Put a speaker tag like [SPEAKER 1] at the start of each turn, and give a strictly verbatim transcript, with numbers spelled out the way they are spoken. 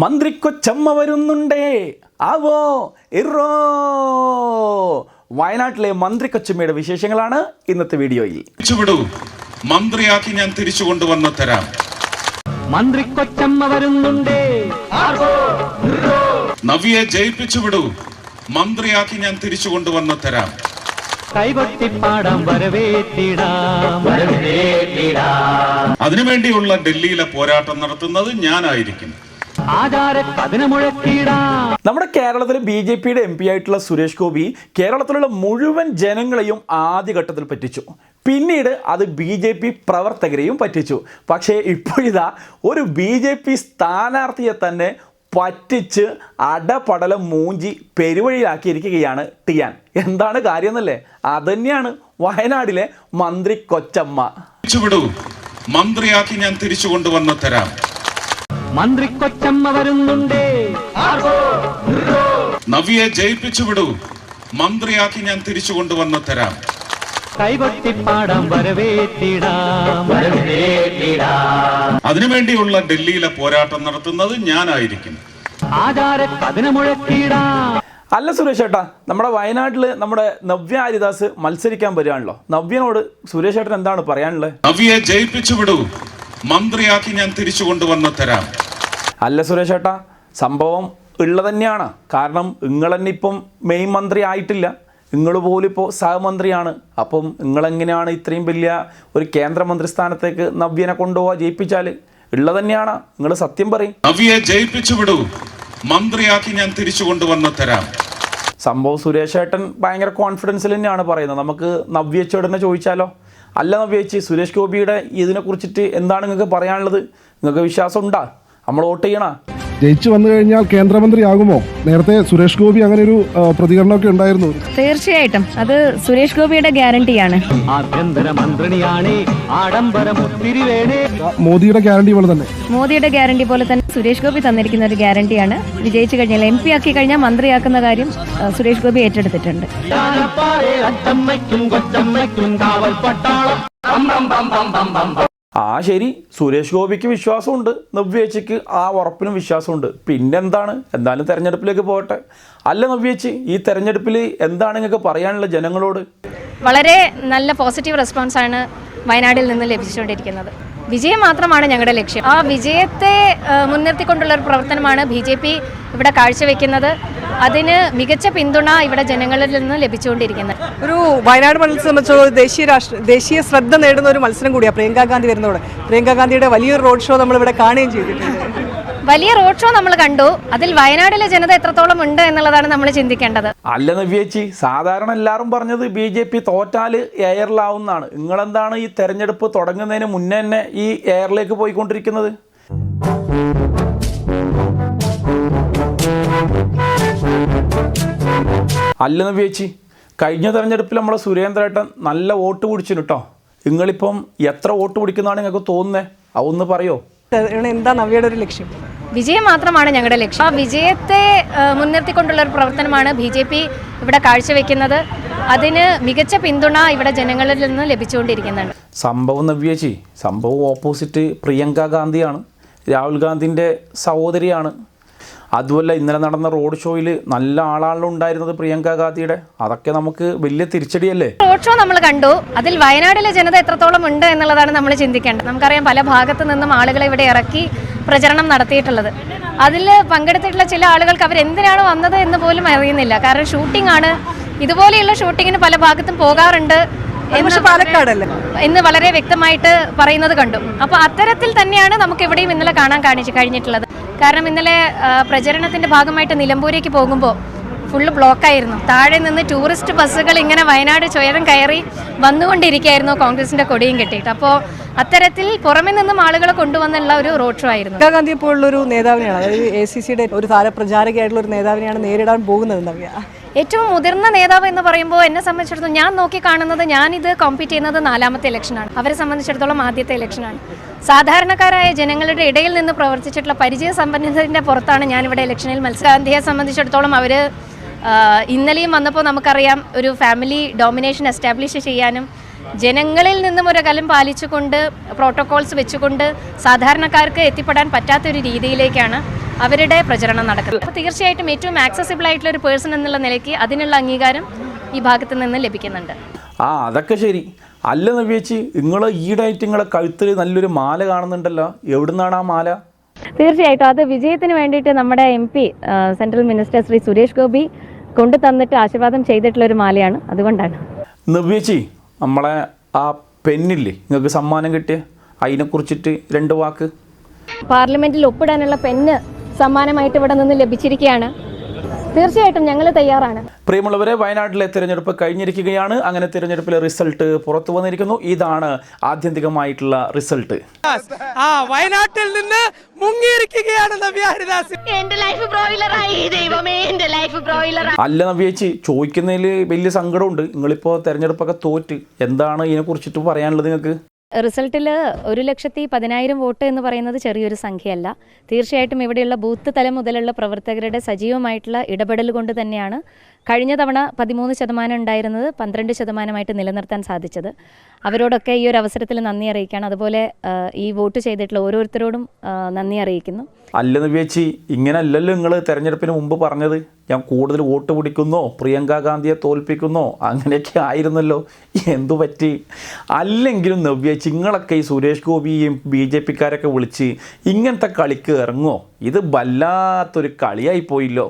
[SPEAKER 1] മന്ത്രിക്കൊച്ചമ്മ വരുന്നുണ്ടേ ആവോ ഇറോ. വയനാട്ടിലെ മന്ത്രിക്കൊച്ചമ്മയുടെ വിശേഷങ്ങളാണ് ഇന്നത്തെ വീഡിയോയിൽ.
[SPEAKER 2] മന്ത്രിയാക്കി ഞാൻ തിരിച്ചു കൊണ്ടുവന്ന് തരാം.
[SPEAKER 3] മന്ത്രിക്കൊച്ചമ്മ വരുന്നുണ്ടേ
[SPEAKER 2] നവ്യെ ജയിപ്പിച്ചു വിടൂ. മന്ത്രിയാക്കി ഞാൻ തിരിച്ചു കൊണ്ടുവന്ന് തരാം.
[SPEAKER 3] കൈകൊട്ടിപ്പാടാം വരവേറ്റിടാം.
[SPEAKER 2] അതിനുവേണ്ടിയുള്ള ഡൽഹിയിലെ പോരാട്ടം നടത്തുന്നത് ഞാനായിരിക്കും.
[SPEAKER 1] നമ്മുടെ കേരളത്തിലെ ബി ജെ പിയുടെ എം പി ആയിട്ടുള്ള സുരേഷ് ഗോപി കേരളത്തിലുള്ള മുഴുവൻ ജനങ്ങളെയും ആദ്യഘട്ടത്തിൽ പറ്റിച്ചു. പിന്നീട് അത് ബി ജെ പി പ്രവർത്തകരെയും പറ്റിച്ചു. പക്ഷേ ഇപ്പോഴിതാ ഒരു ബി ജെ പി സ്ഥാനാർത്ഥിയെ തന്നെ പറ്റിച്ച് അടപടലം മൂഞ്ചി പെരുവഴിയിലാക്കിയിരിക്കുകയാണ് ടിയാൻ. എന്താണ് കാര്യം എന്നല്ലേ? അതന്നെയാണ് വയനാടിലെ മന്ത്രി കൊച്ചമ്മ.
[SPEAKER 2] മന്ത്രിയാക്കി ഞാൻ തിരിച്ചു കൊണ്ടുവന്ന് തരാം.
[SPEAKER 3] മന്ത്രിക്കൊച്ചമ്മ വരുന്നുണ്ടേ
[SPEAKER 2] നവ്യെ ജയിപ്പിച്ചു വിടൂ. മന്ത്രിയാക്കി ഞാൻ തിരിച്ചു കൊണ്ടുവന്ന് തരാം.
[SPEAKER 3] കൈകൊട്ടിപ്പാടാം വരവേറ്റിടാം.
[SPEAKER 2] അതിനുവേണ്ടിയുള്ള ഡൽഹിയിലെ പോരാട്ടം നടത്തുന്നത് ഞാനായിരിക്കും.
[SPEAKER 1] അല്ല സുരേഷ് ഏട്ടാ, നമ്മുടെ വയനാട്ടിൽ നമ്മുടെ നവ്യ ഹരിദാസ് മത്സരിക്കാൻ വരികയാണല്ലോ. നവ്യനോട് സുരേഷ് ഏട്ടൻ എന്താണ് പറയാനുള്ളത്?
[SPEAKER 2] നവ്യെ ജയിപ്പിച്ചു വിടൂ. മന്ത്രിയാക്കി ഞാൻ തിരിച്ചു കൊണ്ടുവന്ന് തരാം.
[SPEAKER 1] അല്ല സുരേഷ് ഏട്ടാ, സംഭവം ഉള്ളത് തന്നെയാണ്. കാരണം നിങ്ങൾ തന്നെ ഇപ്പം മെയിൻ മന്ത്രി ആയിട്ടില്ല, നിങ്ങൾ പോലും ഇപ്പോൾ സഹമന്ത്രിയാണ്. അപ്പം നിങ്ങളെങ്ങനെയാണ് ഇത്രയും വലിയ ഒരു കേന്ദ്രമന്ത്രി സ്ഥാനത്തേക്ക് നവ്യനെ കൊണ്ടുപോവാ ജയിപ്പിച്ചാൽ? ഉള്ളത് തന്നെയാണ്, നിങ്ങൾ സത്യം പറയും.
[SPEAKER 2] നവ്യെ ജയിപ്പിച്ചു വിടൂ. മന്ത്രിയാക്കി ഞാൻ തിരിച്ചു കൊണ്ടുവന്ന് തരാം.
[SPEAKER 1] സംഭവം സുരേഷ് ഏട്ടൻ ഭയങ്കര കോൺഫിഡൻസിൽ തന്നെയാണ് പറയുന്നത്. നമുക്ക് നവ്യച്ചോടനെ ചോദിച്ചാലോ? അല്ല നവ്യേച്ചി, സുരേഷ് ഗോപിയുടെ ഇതിനെ കുറിച്ചിട്ട് എന്താണ് നിങ്ങൾക്ക് പറയാനുള്ളത്? നിങ്ങൾക്ക് വിശ്വാസം ഉണ്ടാ നമ്മൾ വോട്ട് ചെയ്യണ?
[SPEAKER 4] ജയിച്ചു വന്നു കഴിഞ്ഞാൽ കേന്ദ്രമന്ത്രിയാകുമോ? നേരത്തെ സുരേഷ് ഗോപി അങ്ങനെ ഒരു പ്രതികരണമൊക്കെ ഉണ്ടായിരുന്നു.
[SPEAKER 5] തീർച്ചയായിട്ടും അത് സുരേഷ് ഗോപിയുടെ ഗ്യാരണ്ടിയാണ്.
[SPEAKER 4] മോദിയുടെ ഗ്യാരണ്ടി പോലെ തന്നെ
[SPEAKER 5] മോദിയുടെ ഗ്യാരണ്ടി പോലെ തന്നെ സുരേഷ് ഗോപി തന്നിരിക്കുന്ന ഒരു ഗ്യാരണ്ടിയാണ്. വിജയിച്ചു കഴിഞ്ഞാൽ എം പി ആക്കി കഴിഞ്ഞാൽ മന്ത്രിയാക്കുന്ന കാര്യം സുരേഷ് ഗോപി ഏറ്റെടുത്തിട്ടുണ്ട്.
[SPEAKER 1] ആ ശരി, സുരേഷ് ഗോപിക്ക് വിശ്വാസമുണ്ട്, നവ്യേച്ചിക്ക് ആ ഉറപ്പിനും വിശ്വാസമുണ്ട്. പിന്നെന്താണ്, എന്തായാലും തെരഞ്ഞെടുപ്പിലേക്ക് പോകട്ടെ. അല്ല നവ്യേച്ചി, ഈ തെരഞ്ഞെടുപ്പിൽ എന്താണ് നിങ്ങൾക്ക് പറയാനുള്ള ജനങ്ങളോട്?
[SPEAKER 6] വളരെ നല്ല പോസിറ്റീവ് റെസ്പോൺസാണ് വയനാടിൽ നിന്ന് ലഭിച്ചുകൊണ്ടിരിക്കുന്നത്. വിജയം മാത്രമാണ് ഞങ്ങളുടെ ലക്ഷ്യം. ആ വിജയത്തെ മുൻനിർത്തിക്കൊണ്ടുള്ള ഒരു പ്രവർത്തനമാണ് ബി ജെ പി ഇവിടെ കാഴ്ചവെക്കുന്നത്. അതിന് മികച്ച പിന്തുണ ഇവിടെ ജനങ്ങളിൽ നിന്ന് ലഭിച്ചുകൊണ്ടിരിക്കുന്നത്.
[SPEAKER 7] ഒരു വയനാട് മണ്ഡലത്തെ സംബന്ധിച്ചോളം ദേശീയ രാഷ്ട്ര ദേശീയ ശ്രദ്ധ നേടുന്ന ഒരു മത്സരം കൂടിയാണ് പ്രിയങ്കാ ഗാന്ധി വരുന്നതോടെ. പ്രിയങ്കാ ഗാന്ധിയുടെ വലിയൊരു റോഡ് ഷോ നമ്മൾ ഇവിടെ കാണുകയും ചെയ്തിട്ടുണ്ട്.
[SPEAKER 6] വലിയ റോഡ് ഷോ നമ്മൾ കണ്ടു. അതിൽ വയനാട്ടിലെ ജനത എത്രത്തോളം ഉണ്ട് എന്നുള്ളതാണ് നമ്മൾ ചിന്തിക്കേണ്ടത്.
[SPEAKER 1] അല്ല നവ്യേച്ചി, സാധാരണ എല്ലാവരും പറഞ്ഞത് ബി ജെ പി തോറ്റാൽ എയറിലാവുന്നതാണ്. നിങ്ങളെന്താണ് ഈ തെരഞ്ഞെടുപ്പ് തുടങ്ങുന്നതിന് മുന്നേ തന്നെ ഈ എയറിലേക്ക് പോയിക്കൊണ്ടിരിക്കുന്നത്? അല്ല നവ്യേച്ചി, കഴിഞ്ഞ തെരഞ്ഞെടുപ്പിൽ നമ്മളെ സുരേന്ദ്രേട്ടൻ നല്ല വോട്ട് പിടിച്ചിന് കേട്ടോ. നിങ്ങളിപ്പം എത്ര വോട്ട് പിടിക്കുന്നതാണ് നിങ്ങൾക്ക് തോന്നുന്നത്? അതൊന്ന് പറയോ?
[SPEAKER 7] എന്താ നവ്യയുടെ ഒരു ലക്ഷ്യം?
[SPEAKER 6] വിജയം മാത്രമാണ് ഞങ്ങളുടെ ലക്ഷ്യം. ആ വിജയത്തെ മുൻനിർത്തിക്കൊണ്ടുള്ള ഒരു പ്രവർത്തനമാണ് ബി ജെ പി ഇവിടെ കാഴ്ചവെക്കുന്നത്. അതിന് മികച്ച പിന്തുണ ഇവിടെ ജനങ്ങളിൽ നിന്ന് ലഭിച്ചുകൊണ്ടിരിക്കുന്നുണ്ട്. സംഭവം
[SPEAKER 1] നവ്യേച്ചി, സംഭവം ഓപ്പോസിറ്റ് പ്രിയങ്ക ഗാന്ധിയാണ്, രാഹുൽ ഗാന്ധിൻ്റെ സഹോദരിയാണ്. അതുമല്ല, ഇന്നലെ നടന്ന റോഡ് ഷോയിൽ നല്ല ആളാണല്ലോ ഉണ്ടായിരുന്നത് പ്രിയങ്ക ഗാന്ധിയുടെ. അതൊക്കെ നമുക്ക് വലിയ തിരിച്ചടിയല്ലേ?
[SPEAKER 6] റോഡ് ഷോ നമ്മൾ കണ്ടു. അതിൽ വയനാട്ടിലെ ജനത എത്രത്തോളം ഉണ്ട് എന്നുള്ളതാണ് നമ്മൾ ചിന്തിക്കേണ്ടത്. നമുക്കറിയാം, പല ഭാഗത്തു നിന്നും ആളുകളെ ഇവിടെ ഇറക്കി പ്രചരണം നടത്തിയിട്ടുള്ളത്. അതിൽ പങ്കെടുത്തിട്ടുള്ള ചില ആളുകൾക്ക് അവരെന്തിനാണ് വന്നത് എന്ന് പോലും അറിയുന്നില്ല. കാരണം ഷൂട്ടിംഗ് ആണ്. ഇതുപോലെയുള്ള ഷൂട്ടിങ്ങിന് പല ഭാഗത്തും പോകാറുണ്ട് എന്ന് വളരെ വ്യക്തമായിട്ട് പറയുന്നത് കണ്ടു. അപ്പോൾ അത്തരത്തിൽ തന്നെയാണ് നമുക്ക് ഇവിടെയും ഇന്നലെ കാണാൻ കാണിച്ച് കഴിഞ്ഞിട്ടുള്ളത്. കാരണം ഇന്നലെ പ്രചരണത്തിന്റെ ഭാഗമായിട്ട് നിലമ്പൂരേക്ക് പോകുമ്പോൾ ഫുള്ള് ബ്ലോക്കായിരുന്നു. താഴെ നിന്ന് ടൂറിസ്റ്റ് ബസ്സുകൾ ഇങ്ങനെ വയനാട് ചുരം കയറി വന്നുകൊണ്ടിരിക്കുകയായിരുന്നു കോൺഗ്രസിന്റെ കൊടിയും കെട്ടിയിട്ട്. അപ്പോൾ അത്തരത്തിൽ പുറമെ നിന്നും ആളുകളെ കൊണ്ടുവന്നുള്ള ഒരു റോഡ് ഷോ ആയിരുന്നു.
[SPEAKER 7] പ്രിയങ്കാ ഗാന്ധിയെ പോലുള്ള ഒരു നേതാവിനെയാണ്, അതായത് എ സി സിയുടെ ഒരു താരപ്രചാരകയായിട്ടുള്ള ഒരു നേതാവിനെയാണ് നേരിടാൻ പോകുന്നത് നവ്യ.
[SPEAKER 6] ഏറ്റവും മുതിർന്ന നേതാവ് എന്ന് പറയുമ്പോൾ എന്നെ സംബന്ധിച്ചിടത്തോളം ഞാൻ നോക്കി കാണുന്നത്, ഞാനിത് കോമ്പീറ്റ് ചെയ്യുന്നത് നാലാമത്തെ ഇലക്ഷനാണ്. അവരെ സംബന്ധിച്ചിടത്തോളം ആദ്യത്തെ ഇലക്ഷനാണ്. സാധാരണക്കാരായ ജനങ്ങളുടെ ഇടയിൽ നിന്ന് പ്രവർത്തിച്ചിട്ടുള്ള പരിചയ സമ്പന്നതയുടെ പുറത്താണ് ഞാനിവിടെ ഇലക്ഷനിൽ മത്സരം. ഗാന്ധിയെ സംബന്ധിച്ചിടത്തോളം അവർ ഇന്നലെയും വന്നപ്പോൾ നമുക്കറിയാം, ഒരു ഫാമിലി ഡോമിനേഷൻ എസ്റ്റാബ്ലിഷ് ചെയ്യാനും ജനങ്ങളിൽ നിന്നും ഒരു അകലം പാലിച്ചുകൊണ്ട് പ്രോട്ടോകോൾസ് വെച്ചുകൊണ്ട് സാധാരണക്കാർക്ക് എത്തിപ്പെടാൻ പറ്റാത്തൊരു രീതിയിലേക്കാണ് അവരുടെ പ്രചരണം നടക്കുന്നത്. അപ്പോൾ തീർച്ചയായിട്ടും ഏറ്റവും ആക്സസിബിൾ ആയിട്ടുള്ള ഒരു പേഴ്സൺ എന്നുള്ള നിലയ്ക്ക് അതിനുള്ള അംഗീകാരം ഈ ഭാഗത്ത് നിന്ന് ലഭിക്കുന്നുണ്ട്.
[SPEAKER 1] ആ അതൊക്കെ ശരി. അല്ല നവ്യേച്ചി, നിങ്ങൾ ഈടായിട്ട് നിങ്ങളെ കഴുത്തിൽ നല്ലൊരു മാല കാണുന്നുണ്ടല്ലോ, എവിടുന്നാണ് ആ മാല?
[SPEAKER 5] തീർച്ചയായിട്ടും അത് വിജയത്തിന് വേണ്ടിയിട്ട് നമ്മുടെ M P central minister Shri Suresh Gopi കൊണ്ടു തന്നിട്ട് ആശീർവാദം ചെയ്തിട്ടുള്ള ഒരു മാലയാണ്, അതുകൊണ്ടാണ്.
[SPEAKER 1] നവ്യേച്ചി, നമ്മളെ ആ പെന്നില്ലേ നിങ്ങൾക്ക് സമ്മാനം കിട്ടിയ, അതിനെക്കുറിച്ചിട്ട് രണ്ട് വാക്ക്.
[SPEAKER 5] പാർലമെന്റിൽ ഒപ്പിടാനുള്ള പെന്ന് സമ്മാനമായിട്ട് ഇവിടെ നിന്ന് ലഭിച്ചിരിക്കുകയാണ്. തീർച്ചയായിട്ടും ഞങ്ങൾ തയ്യാറാണ്.
[SPEAKER 1] പ്രിയമുള്ളവരെ, വയനാട്ടിലെ തിരഞ്ഞെടുപ്പ് കഴിഞ്ഞിരിക്കുകയാണ്. അങ്ങനെ തിരഞ്ഞെടുപ്പിലെ റിസൾട്ട് പുറത്തു വന്നിരിക്കുന്നു. ഇതാണ് ആത്യന്തികമായിട്ടുള്ള റിസൾട്ട്.
[SPEAKER 8] ആ വയനാട്ടിൽ നിന്ന് മുങ്ങിയിരിക്കുകയാണ് നവ്യ ഹരിദാസ്.
[SPEAKER 9] എന്റെ ലൈഫ് ബ്രോയിലറായി ദൈവമേ, എന്റെ ലൈഫ് ബ്രോയിലർ.
[SPEAKER 1] അല്ല നവ്യേച്ചി, ചോദിക്കുന്നതിൽ വലിയ സങ്കടമുണ്ട്. നിങ്ങളിപ്പോൾ തിരഞ്ഞെടുപ്പൊക്കെ തോറ്റ്, എന്താണ് ഇതിനെക്കുറിച്ചിട്ട് പറയാനുള്ളത് നിങ്ങൾക്ക്?
[SPEAKER 5] റിസൾട്ടിൽ ഒരു ലക്ഷത്തി പതിനായിരം വോട്ട് എന്ന് പറയുന്നത് ചെറിയൊരു സംഖ്യയല്ല. തീർച്ചയായിട്ടും ഇവിടെയുള്ള ബൂത്ത് തലം മുതലുള്ള പ്രവർത്തകരുടെ സജീവമായിട്ടുള്ള ഇടപെടൽ കൊണ്ട് തന്നെയാണ് കഴിഞ്ഞ തവണ പതിമൂന്ന് ശതമാനം ഉണ്ടായിരുന്നത് പന്ത്രണ്ട് ശതമാനമായിട്ട് നിലനിർത്താൻ സാധിച്ചത്. അവരോടൊക്കെ ഈ ഒരു അവസരത്തിൽ നന്ദി അറിയിക്കുകയാണ്. അതുപോലെ ഈ വോട്ട് ചെയ്തിട്ടുള്ള ഓരോരുത്തരോടും നന്ദി അറിയിക്കുന്നു.
[SPEAKER 1] അല്ല നവ്യേച്ചി, ഇങ്ങനെ അല്ലല്ലോ നിങ്ങൾ തെരഞ്ഞെടുപ്പിന് മുമ്പ് പറഞ്ഞത്, ഞാൻ കൂടുതൽ വോട്ട് പിടിക്കുന്നോ, പ്രിയങ്ക ഗാന്ധിയെ തോൽപ്പിക്കുന്നോ, അങ്ങനെയൊക്കെ ആയിരുന്നല്ലോ. എന്തു പറ്റി? അല്ലെങ്കിലും നവ്യേച്ചി, നിങ്ങളൊക്കെ ഈ സുരേഷ് ഗോപിയും ബി ജെ പിക്കാരൊക്കെ വിളിച്ച് ഇങ്ങനത്തെ കളിക്ക് ഇറങ്ങുമോ? ഇത് വല്ലാത്തൊരു കളിയായി പോയില്ലോ.